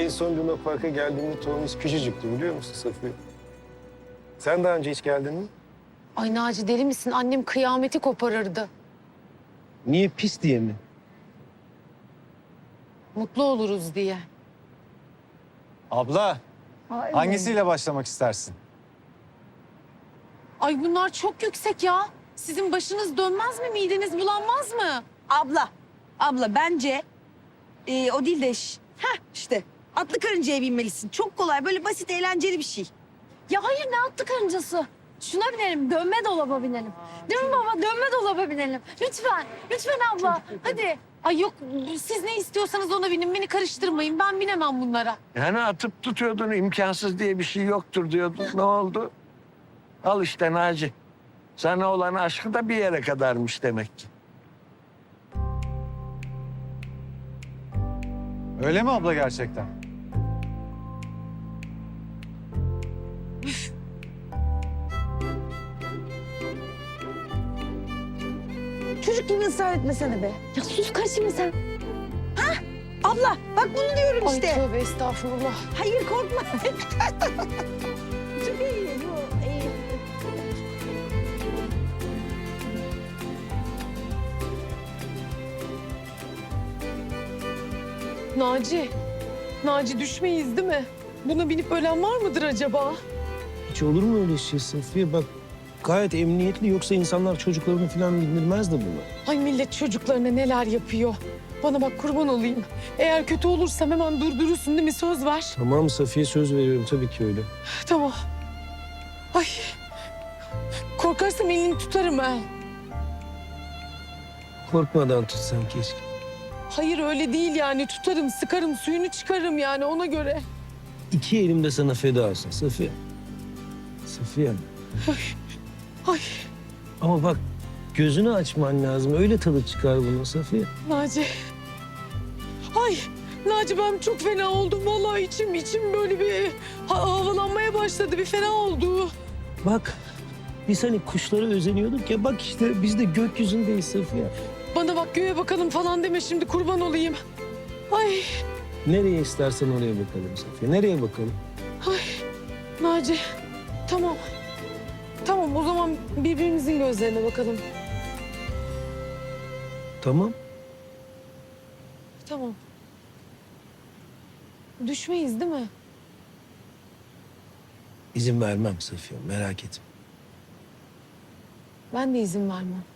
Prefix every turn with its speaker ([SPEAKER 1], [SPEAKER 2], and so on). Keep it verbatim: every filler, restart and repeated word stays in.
[SPEAKER 1] en son Luna Park'a geldiğimde Tomis küçücüktü biliyor musun Safiye? Sen daha önce hiç geldin mi?
[SPEAKER 2] Ay Naci deli misin? Annem kıyameti koparırdı.
[SPEAKER 1] Niye, pis diye mi?
[SPEAKER 2] Mutlu oluruz diye.
[SPEAKER 3] Abla, hangisiyle başlamak istersin?
[SPEAKER 2] Ay bunlar çok yüksek ya. Sizin başınız dönmez mi? Mideniz bulanmaz mı?
[SPEAKER 4] Abla, abla bence e, o değil de ş- heh, işte atlı karıncaya binmelisin. Çok kolay, böyle basit, eğlenceli bir şey.
[SPEAKER 5] Ya hayır ne atlı karıncası? Şuna binelim, dönme dolaba binelim. Değil mi baba? Dönme dolaba binelim. Lütfen, lütfen abla. Hadi.
[SPEAKER 2] Ay yok siz ne istiyorsanız ona binin. Beni karıştırmayın. Ben binemem bunlara.
[SPEAKER 6] Yani atıp tutuyordun, imkansız diye bir şey yoktur diyordun. Ne oldu? Al işte Naci. Sana olan aşkı da bir yere kadarmış demek ki.
[SPEAKER 3] Öyle mi abla gerçekten?
[SPEAKER 4] Çocuk gibi ısrar etmesene be.
[SPEAKER 5] Ya sus karışma sen.
[SPEAKER 4] Abla, bak bunu diyorum
[SPEAKER 2] Ay
[SPEAKER 4] işte.
[SPEAKER 2] tövbe estağfurullah.
[SPEAKER 4] Hayır korkma. Çok iyi bu. iyi.
[SPEAKER 2] Naci. Naci düşmeyiz değil mi? Buna binip ölen var mıdır acaba?
[SPEAKER 1] Hiç olur mu öyle şey Safiye? Bak gayet emniyetli, yoksa insanlar çocuklarını falan bindirmez de bunu.
[SPEAKER 2] Ay millet çocuklarına neler yapıyor. Bana bak kurban olayım. Eğer kötü olursam hemen durdurursun değil mi? Söz ver.
[SPEAKER 1] Tamam Safiye, söz veriyorum tabii ki öyle.
[SPEAKER 2] Tamam. Ay. Korkarsam elini tutarım ha.
[SPEAKER 1] Korkmadan tutsan keşke.
[SPEAKER 2] Hayır öyle değil yani. Tutarım, sıkarım, suyunu çıkarım yani ona göre.
[SPEAKER 1] İki elim de sana feda olsun Safiye. Safiye.
[SPEAKER 2] Ay
[SPEAKER 1] Ama bak gözünü açman lazım. Öyle tadı çıkar bunun Safiye.
[SPEAKER 2] Naci. Ay Naci ben çok fena oldum. Vallahi içim içim böyle bir ha- havalanmaya başladı. Bir fena oldu.
[SPEAKER 1] Bak biz hani kuşlara özeniyorduk ya. Bak işte biz de gökyüzündeyiz Safiye.
[SPEAKER 2] Bana bak göğe bakalım falan deme şimdi kurban olayım. Ay
[SPEAKER 1] Nereye istersen oraya bakalım Safiye. Nereye bakalım?
[SPEAKER 2] ay Naci. Tamam. Tamam o zaman birbirimizin gözlerine bakalım.
[SPEAKER 1] Tamam.
[SPEAKER 2] Tamam. Düşmeyiz değil mi?
[SPEAKER 1] İzin vermem Safiye, merak etme.
[SPEAKER 2] Ben de izin vermem.